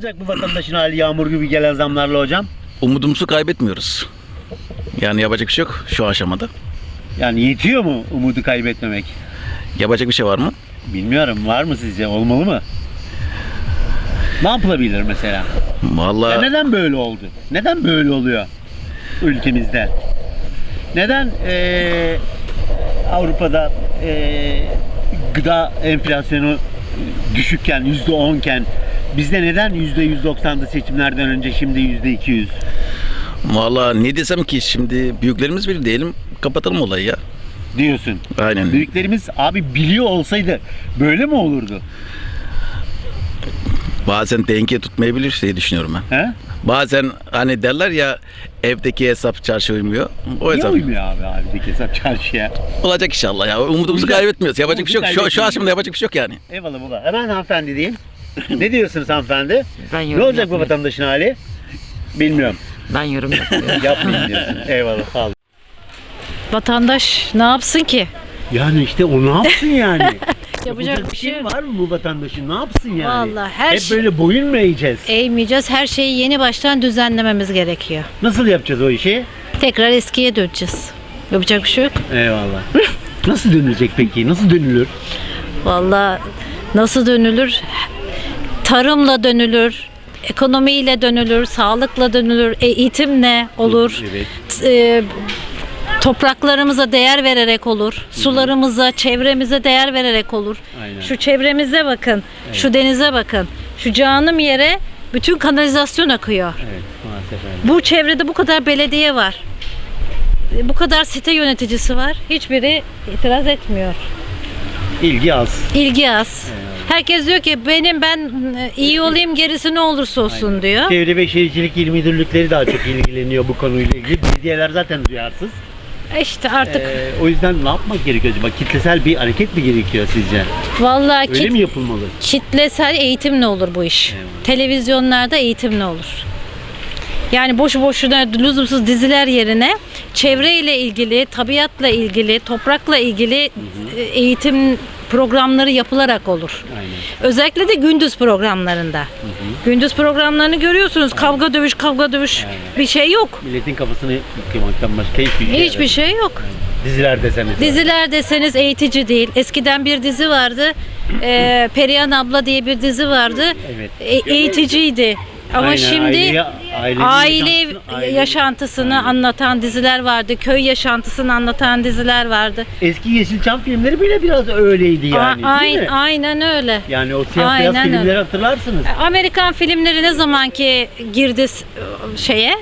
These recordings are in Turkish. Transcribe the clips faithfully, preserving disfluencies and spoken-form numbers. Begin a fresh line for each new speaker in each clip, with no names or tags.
olacak bu vatandaşın hali yağmur gibi gelen zamlarla hocam?
Umudumuzu kaybetmiyoruz. Yani yapacak bir şey yok şu aşamada.
Yani yetiyor mu umudu kaybetmemek?
Yapacak bir şey var mı?
Bilmiyorum, var mı sizce? Olmalı mı? Ne yapılabilir mesela? Ya
Vallahi
neden böyle oldu? Neden böyle oluyor ülkemizde? Neden eee, Avrupa'da eee, gıda enflasyonu düşükken, yüzde onken bizde neden yüzde yüz doksandı seçimlerden önce, şimdi yüzde iki yüz?
vallahi ne desem ki, şimdi büyüklerimiz bilir diyelim, kapatalım olayı ya.
Diyorsun.
Aynen.
Büyüklerimiz abi biliyor olsaydı böyle mi olurdu?
Bazen denge tutmayabilir diye düşünüyorum ben.
He?
Bazen hani derler ya, evdeki hesap çarşı uymuyor. O
Niye
hesap
uymuyor abi abideki hesap çarşıya?
olacak inşallah ya. Umudumuzu
Uyacak.
kaybetmiyoruz. Yapacak bir şey yok. Şu, şu
Kaybetmiyoruz.
aşamada yapacak bir şey yok yani.
Eyvallah baba. Hemen hanımefendi diyeyim. Ne diyorsunuz hanımefendi?
Ben
Ne
yorum
olacak bu
yapmıyorum.
vatandaşın hali? Bilmiyorum.
Ben yorum yapmıyorum.
Yapmayın diyorsun. Eyvallah, sağ olun.
Vatandaş ne yapsın ki?
Yani işte o ne yapsın yani?
Yapacak bir şey yok.
var mı bu vatandaşın? Ne yapsın yani?
Vallahi her
Hep
şey-
böyle boyun mu eğeceğiz?
Eğmeyeceğiz. Her şeyi yeni baştan düzenlememiz gerekiyor.
Nasıl yapacağız o işi?
Tekrar eskiye döneceğiz. Yapacak bir şey yok.
Eyvallah. Nasıl dönülecek peki? Nasıl dönülür?
Vallahi nasıl dönülür? Tarımla dönülür. Ekonomiyle dönülür, sağlıkla dönülür, e, eğitimle olur.
Evet.
T- e, topraklarımıza değer vererek olur. Sularımıza, çevremize değer vererek olur.
Aynen.
Şu çevremize bakın, şu denize bakın. Şu canım yere bütün kanalizasyon akıyor.
Evet, maalesef öyle.
Bu çevrede bu kadar belediye var. E, Bu kadar site yöneticisi var. Hiçbiri itiraz etmiyor.
İlgi az.
İlgi az. Herkes diyor ki benim ben e, iyi olayım, gerisi ne olursa olsun diyor.
Çevre ve Şehircilik İl Müdürlükleri daha çok ilgileniyor bu konuyla ilgili. Belediyeler zaten duyarsız.
İşte artık
Ee, o yüzden ne yapmak gerekiyor acaba? Kitlesel bir hareket mi gerekiyor sizce?
vallahi
Öyle
kit-
mi yapılmalı?
kitlesel eğitimle olur bu iş.
Eyvallah.
Televizyonlarda eğitimle olur. Yani boşu boşuna lüzumsuz diziler yerine çevreyle ilgili, tabiatla ilgili, toprakla ilgili e, eğitim programları yapılarak olur.
Aynen.
Özellikle de gündüz programlarında. Gündüz programlarını görüyorsunuz. Kavga dövüş, kavga dövüş bir şey yok.
Milletin kafasını yıkamaktan başka hiçbir şey
Hiçbir şey yok.
Diziler deseniz.
Diziler deseniz eğitici değil. Eskiden bir dizi vardı. Ee, Perihan abla diye bir dizi vardı.
Evet.
E- eğiticiydi. Ama
Aynen,
şimdi
aileyi- ailenin
aile
yaşantısını- aile-
yaşantısını
Aynen.
anlatan diziler vardı. Köy yaşantısını anlatan diziler vardı.
Eski Yeşilçam filmleri bile biraz öyleydi yani.
A-
değil
ayn-
mi?
aynen öyle.
Yani o siyah beyaz
Aynen
filmleri
öyle.
hatırlarsınız.
Amerikan filmleri ne zamanki girdi s- şeye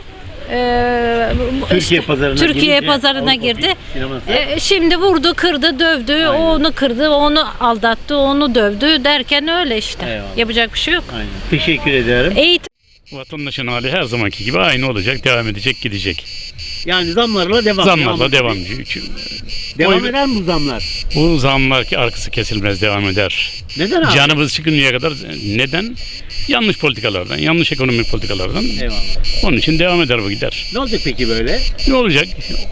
e, bu-
Türkiye pazarına
Türkiye
girince
pazarına
Avrupa
girdi.
sineması.
E, şimdi vurdu, kırdı, dövdü,
Aynen.
onu kırdı, onu aldattı, onu dövdü derken öyle işte.
Eyvallah.
Yapacak bir şey yok.
Aynen. Teşekkür ederim.
Eğitim
Vatandaşın hali her zamanki gibi aynı olacak, devam edecek, gidecek.
Yani zamlarla devam.
Zamlarla devam
edecek.
ediyor.
Devam
Oy-
eder mi bu zamlar?
Bu zamlar ki arkası kesilmez devam eder.
Neden abi?
Canımız çıkıncaya kadar neden? Yanlış politikalardan, yanlış ekonomik politikalardan.
Eyvallah.
Onun için devam eder bu gider.
Ne olacak peki böyle?
Ne olacak?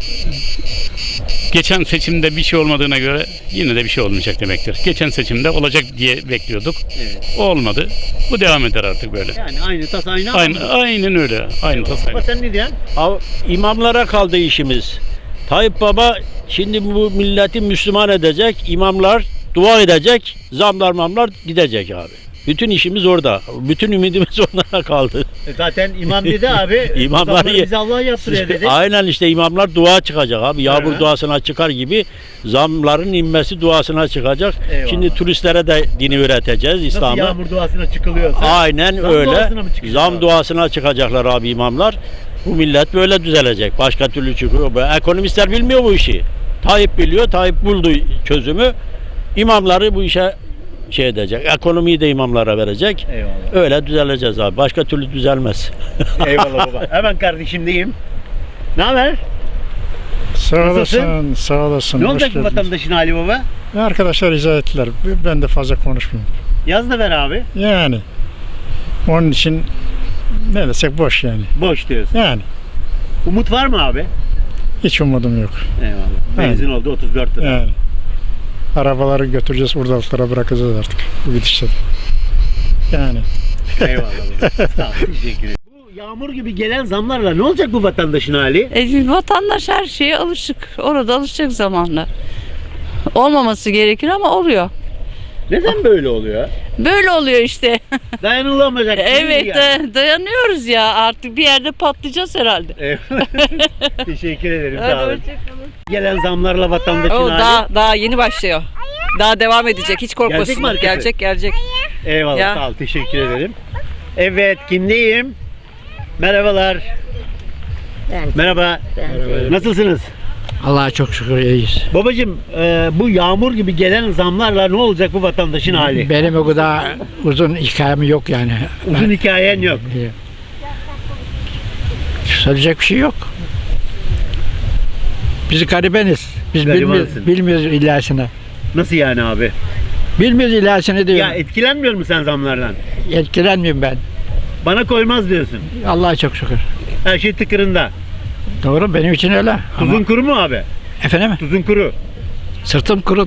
Geçen seçimde bir şey olmadığına göre yine de bir şey olmayacak demektir. Geçen seçimde olacak diye bekliyorduk.
Evet.
O olmadı. Bu devam eder artık böyle.
Yani aynı tas aynı
Aynı,
hamur.
aynen öyle. Aynı tasarım.
Baba sen ne diyorsun?
Av- İmamlara kaldı işimiz. Tayyip Baba şimdi bu milleti Müslüman edecek, imamlar dua edecek, zamlar mamlar gidecek abi. Bütün işimiz orada. Bütün ümidimiz onlara kaldı.
E Zaten imam dedi abi.
İmamlar
zamları
ye-
bize Allah yaptırıyor dedi.
Aynen işte imamlar dua çıkacak abi. Yağmur
Hı.
duasına çıkar gibi zamların inmesi duasına çıkacak.
Eyvallah.
Şimdi turistlere de dini öğreteceğiz
Nasıl
İslam'ı.
yağmur duasına çıkılıyorsa.
Aynen
Zam
öyle.
duasına mı çıkacak
Zam
abi?
duasına çıkacaklar abi imamlar. Bu millet böyle düzelecek. Başka türlü çıkıyor. Bu ekonomistler bilmiyor bu işi. Tayyip biliyor. Tayyip buldu çözümü. İmamları bu işe şey edecek. Ekonomiyi de imamlara verecek.
Eyvallah.
Öyle düzeleceğiz abi. Başka türlü düzelmez.
Eyvallah baba. Hemen kardeşimdeyim. Ne haber?
Sağ
Nasılsın?
olasın, sağ olasın.
Ne
Hoş
olacak bu
geldiniz.
vatandaşın hali baba?
Arkadaşlar izah ettiler. Ben de fazla konuşmayayım.
Yaz da ver abi.
Yani onun için ne desek boş yani.
Boş diyorsun.
Yani
Umut var mı abi?
hiç umudum yok.
Eyvallah. Benzin oldu otuz dört lira.
Yani arabaları götüreceğiz, urdalıklara bırakacağız artık bu gidişle. Yani
Eyvallah baba. Sağ ol, teşekkür ederim. Bu yağmur gibi gelen zamlarla ne olacak bu vatandaşın hali?
E, vatandaş her şeye alışık. Orada alışacak zamanla. Olmaması gerekir ama oluyor.
Neden böyle oluyor?
Böyle oluyor işte.
Dayanılamayacak. değil
Evet
yani.
da- dayanıyoruz ya. Artık bir yerde patlayacağız herhalde.
Eyvallah. Teşekkür ederim.
Hadi
Sağ olun.
hoşçakalın.
Gelen zamlarla vatandaşın
O
hali.
daha daha yeni başlıyor. Daha devam edecek. Hiç korkmasın.
Gelecek mi arkası?
Gelecek gelecek.
Eyvallah.
Ya.
Sağ ol. Teşekkür ederim. Evet. Kimdeyim? Merhabalar. Merhaba. Nasılsınız?
Allah'a çok şükür iyiyiz.
Babacım e, bu yağmur gibi gelen zamlarla ne olacak bu vatandaşın hali?
Benim o kadar uzun hikayem yok yani.
Uzun hikayen yok.
Ben- Söyleyecek bir şey yok. Biz garibeniz. Biz bilmiyoruz,
Garibansın.
bilmiyoruz ilerisini.
Nasıl yani abi?
Bilmiyoruz ilerisini
Ya
diyorum.
etkilenmiyor musun sen zamlardan?
Etkilenmiyorum ben.
Bana koymaz diyorsun.
Allah'a çok şükür.
Her şey tıkırında.
Doğru, benim için öyle.
Tuzun
Ama
kuru mu abi?
efendim,
Tuzun kuru.
sırtım kuru.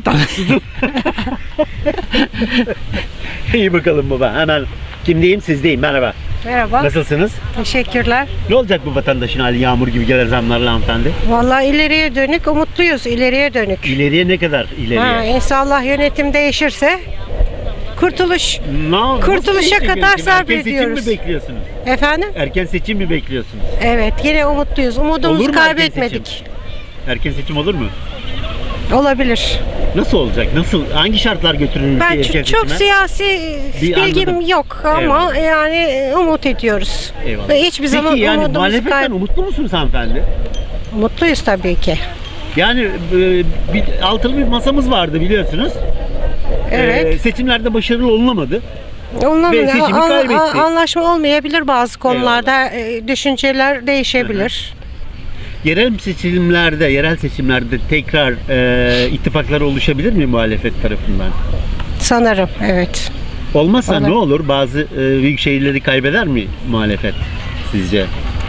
İyi bakalım baba. Hemen kimdeyim? Sizdeyim. Merhaba.
Merhaba,
Nasılsınız?
teşekkürler.
Ne olacak bu vatandaşın hali yağmur gibi gelen zamlarla hanımefendi?
Vallahi ileriye dönük umutluyuz, ileriye dönük.
İleriye ne kadar ileriye?
Ha, inşallah yönetim değişirse kurtuluş.
Na-
Kurtuluşa
nasıl bir
kadar
yönetim?
sabrediyoruz.
Erken seçim mi bekliyorsunuz?
Efendim?
Erken seçim mi bekliyorsunuz?
Evet, yine umutluyuz.
Olur
Umudumuzu
mu erken
kaybetmedik.
Erken seçim olur mu?
Olabilir.
Nasıl olacak? Nasıl? Hangi şartlar götürür ülkeyi
Ben
erken
çok, çok
seçime?
siyasi
Bir
bilgim
anladım.
yok ama
Eyvallah.
yani umut ediyoruz.
Eyvallah.
Ve hiçbir
Peki
zaman
yani
umudumuzu
muhalefetten
kaybetmedik.
umutlu musunuz hanımefendi?
Mutluyuz tabii ki.
Yani e, bir, altılı bir masamız vardı biliyorsunuz.
Evet.
E, seçimlerde başarılı olunamadı.
Onunla
Ve seçimi
an-
kaybetti.
an- anlaşma olmayabilir bazı konularda. e, Düşünceler değişebilir.
Yerel seçimlerde, yerel seçimlerde tekrar e, ittifaklar oluşabilir mi muhalefet tarafından?
Sanırım, evet.
Olmazsa
Olur.
ne olur? Bazı e, büyük şehirleri kaybeder mi muhalefet sizce?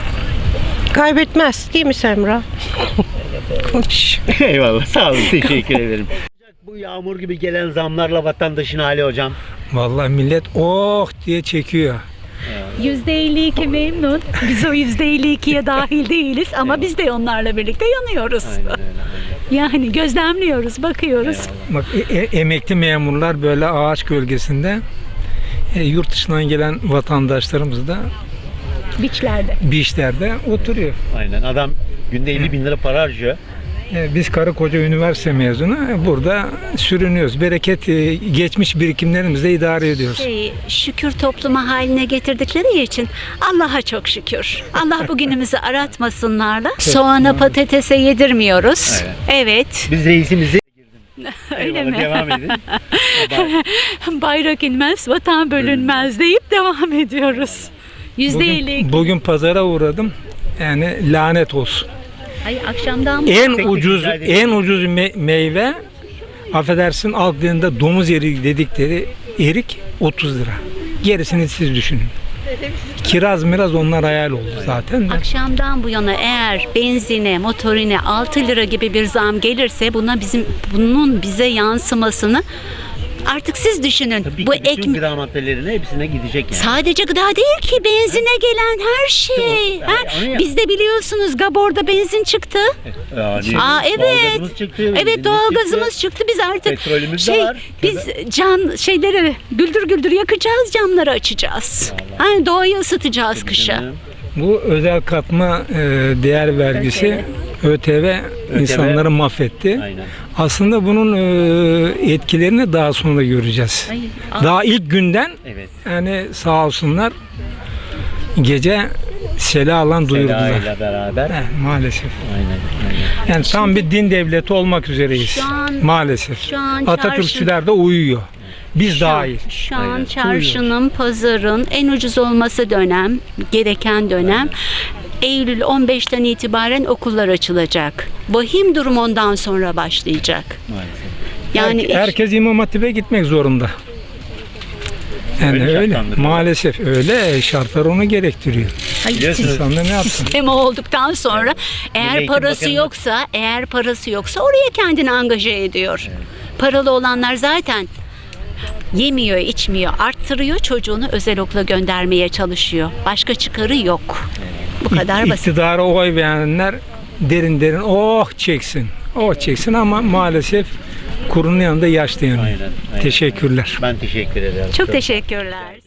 Kaybetmez değil mi Semra? Konuş.
Eyvallah. Sağ olun. Teşekkür ederim. Bu yağmur gibi gelen zamlarla vatandaşın hali hocam.
Vallahi millet oh diye çekiyor.
yüzde elli iki memnun. Biz o yüzde elli ikiye dahil değiliz ama biz de onlarla birlikte yanıyoruz.
Aynen öyle.
Yani gözlemliyoruz, bakıyoruz.
Bak e- e- emekli memurlar böyle ağaç gölgesinde, e, yurt dışından gelen vatandaşlarımız da
Biçlerde.
beachlerde oturuyor.
Aynen. Adam günde elli bin lira para harcıyor.
E, biz karı koca üniversite mezunu e, burada sürünüyoruz. Bereket e, geçmiş birikimlerimizle idare ediyoruz.
Şey, şükür topluma haline getirdikleri için Allah'a çok şükür. Allah bugünümüzü aratmasınlarla. Soğana patatese yedirmiyoruz. Evet.
Biz reisimizi
Öyle
Eyvallah,
mi?
devam edin.
Bayrak inmez, vatan bölünmez deyip devam ediyoruz. Yüzde elli
Bugün,
iki.
bugün pazara uğradım. Yani lanet olsun.
Ay akşamdan
En
tek
ucuz
rica edelim.
en ucuz me- meyve, affedersin, halk dilinde domuz eriği dedikleri erik otuz lira. Gerisini siz düşünün. Kiraz miraz onlar hayal oldu zaten de.
Akşamdan bu yana eğer benzine, motorine altı lira gibi bir zam gelirse buna bizim bunun bize yansımasını artık siz düşünün.
Tabii
bu
ki bütün
ekme
gıda maddelerine hepsine gidecek yani.
sadece gıda değil ki benzine gelen her şey.
Tamam,
Ha,
onu ya-
Bizde biliyorsunuz Gabor'da benzin çıktı.
Yani
Aa evet.
doğalgazımız çıktı,
Evet
benzinimiz
doğalgazımız
çıktı.
çıktı. Biz artık
Petrolümüz de
şey
var.
biz can şeyleri güldür güldür yakacağız, camları açacağız. Hani doğayı ısıtacağız kışa.
Canım.
Bu özel katma e, değer vergisi ÖTV insanları mahvetti.
Aynen.
Aslında bunun e, etkilerini daha sonra göreceğiz.
Hayır,
Daha ilk günden
Evet.
yani sağ olsunlar gece sela alan duyurdular.
Sela ile beraber.
He, maalesef.
Aynen. aynen.
Yani tam bir din devleti olmak üzereyiz.
Şu an-
maalesef.
şu an
Atatürkçüler de uyuyor. Biz
Şu,
dahil.
şu an
Aynen.
çarşının, pazarın en ucuz olması dönem, gereken dönem. Eylül on beşten itibaren okullar açılacak. Vahim durum ondan sonra başlayacak.
Maalesef.
Yani
Her- herkes İmam Hatip'e gitmek zorunda. Yani
Öyle
öyle.
şartlandırıyor.
Maalesef öyle. Şartlar onu gerektiriyor.
Biliyorsunuz.
İnsan da ne yapsın?
sistemi olduktan sonra eğer
Eğitim
parası
Bakanı-
yoksa, eğer parası yoksa oraya kendini angaje ediyor. Paralı olanlar zaten Yemiyor, içmiyor, arttırıyor, çocuğunu özel okula göndermeye çalışıyor. Başka çıkarı yok. Bu kadar basit.
İktidara oy verenler derin derin oh çeksin. Oh çeksin ama maalesef kurunun yanında yaş dayanıyor.
Aynen, aynen.
Teşekkürler.
Ben teşekkür ederim.
Çok teşekkürler.